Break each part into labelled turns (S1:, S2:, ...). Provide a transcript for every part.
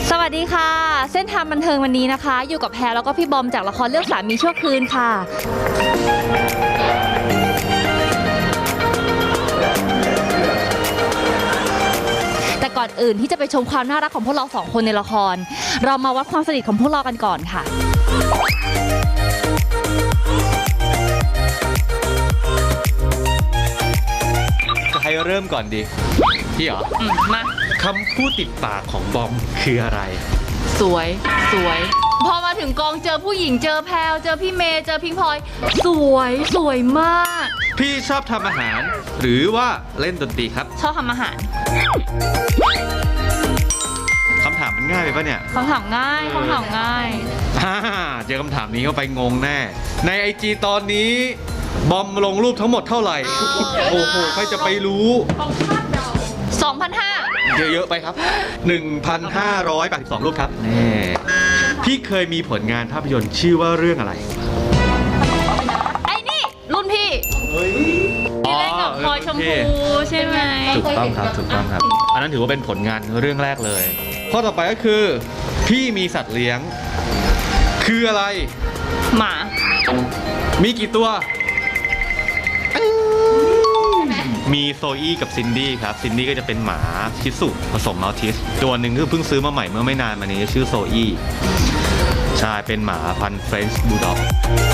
S1: สวัสดีค่ะเส้นทางบันเทิงวันนี้นะคะอยู่กับแพรแล้วก็พี่บอมจากละครเรื่องสามีชั่วคืนค่ะแต่ก่อนอื่นที่จะไปชมความน่ารักของพวกเราสองคนในละครเรามาวัดความสนิทของพวกเรากันก่อนค่ะ
S2: จะให้เริ่มก่อนดีพี่เหรอ
S1: มา
S2: คำพูดติดปากของบอมคืออะไร
S1: สวยพอมาถึงกองเจอผู้หญิงเจอแพลเจอพี่เมย์เจอพิงพลอยสวยมาก
S2: พี่ชอบทำอาหารหรือว่าเล่นดนตรีครับ
S1: ชอบทำอาหาร
S2: คำถามมันง่ายไปปะเนี่ย
S1: คำถามง่าย
S2: เจอคำถามนี้เข้าไปงงแน่ใน IG ตอนนี้บอมลงรูปทั้งหมดเท่าไหร่โอ้โหใครจะไปรู้
S1: 2,500
S2: เยอะๆไปครับ 1,582 รูปครับแน่พี่เคยมีผลงานภาพยนตร์ชื่อว่าเรื่องอะไร
S1: ไอ้นี่รุ่นพี่ที่เล่นกับพลอยชมพูใช่ไหม
S2: ถูกต้องครับอันนั้นถือว่าเป็นผลงานเรื่องแรกเลยข้อต่อไปก็คือพี่มีสัตว์เลี้ยงคืออะไร
S1: หมา
S2: มีกี่ตัวมีโซอี้กับซินดี้ครับซินดี้ก็จะเป็นหมาชิสุผสมมัลติสตัวหนึ่งคือเพิ่งซื้อมาใหม่เมื่อไม่นานมานี้ชื่อโซอี้ใช่เป็นหมาพันธุ์เฟรนช์บูลด็อก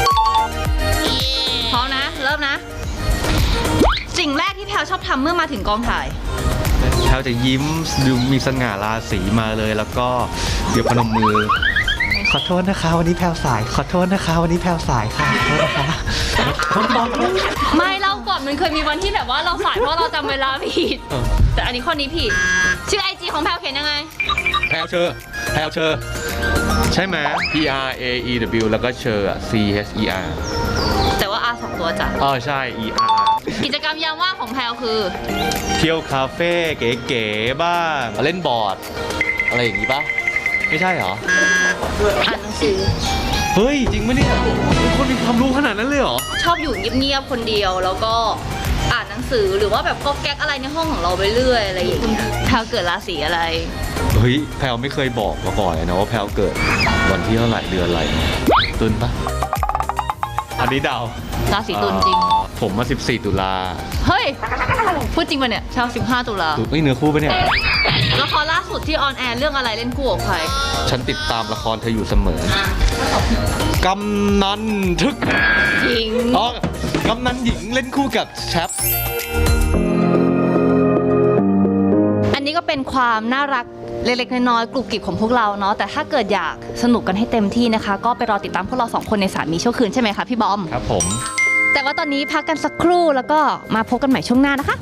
S1: พร้อมนะเริ่มนะสิ่งแรกที่แพลชอบทำเมื่อมาถึงกองถ่าย
S2: แพลจะยิ้มดูมีสง่าราศีมาเลยแล้วก็เดี๋ยวพนมมือขอโทษนะคะวันนี้แพลสายขอโทษนะคะวันนี้แพลสายค่ะขอโทษนะคะ
S1: ไม่เล่าก่อนมันเคยมีวันที่แบบว่าเราสายเพราะเราจำเวลาผิดแต่อันนี้ข้อนี้ผิดชื่อ IG ของแพลเขียนยังไง
S2: แพลเชอร์ใช่ไหม PRAEW แล้วก็เชอร์ CHER
S1: แต่ว่า R 2 ตัวจ้ะ
S2: ใช่ ER
S1: กิจกรรมยามว่างของแพลคือ
S2: เที่ยวคาเฟ่เก๋ๆบ้างเล่นบอร์ดอะไรอย่างนี้ปะไม่ใช่เหรอ
S1: อ่านหนังสือ
S2: เฮ้ยจริงปะเนี่ยคนมีความรู้ขนาดนั้นเลยเหรอ
S1: ชอบอยู่เงียบๆคนเดียวแล้วก็อ่านหนังสือหรือว่าแบบก็แก๊กอะไรในห้องของเราไปเรื่อยอะไรอย่างเงี้ยแพลเกิดราศีอะไร
S2: เฮ้ยแพลไม่เคยบอกมาก่อนเลยนะว่าแพลเกิดวันที่เท่าไหร่เดือนอะไรตุลปะอันนี้เดา
S1: ราศีตุลจริง
S2: ผมมา14 ตุลา
S1: เฮ้ยพูดจริงปะเนี่ยชาว15 ตุลา
S2: ไม่เนื้อคู่ปะเนี่ย
S1: ละครล่าสุดที่ออนแอร์เรื่องอะไรเล่นคู่กับใคร
S2: ฉันติดตามละครเธออยู่เสมอกำนันทึก
S1: หญิง
S2: กำนันหญิงเล่นคู่กับแชป
S1: อันนี้ก็เป็นความน่ารักเล็กๆน้อยๆกลุ่มกลิ่มของพวกเราเนาะแต่ถ้าเกิดอยากสนุกกันให้เต็มที่นะคะก็ไปรอติดตามพวกเรา2คนในสามีชั่วคืนใช่ไหมคะพี่บอม
S2: ครับผม
S1: แต่ว่าตอนนี้พักกันสักครู่แล้วก็มาพบกันใหม่ช่วงหน้านะคะ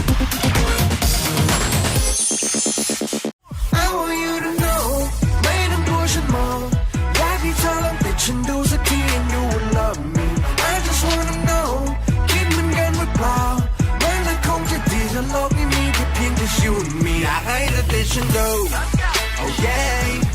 S1: ฉันดูสักที and you will love me I just wanna know คิดเหมือนกันหรือเปล่ามันคงจะดีถ้าโลกนี้มีแค่เพียงแต่ you and me อยากให้เธอติดฉันดู oh yeah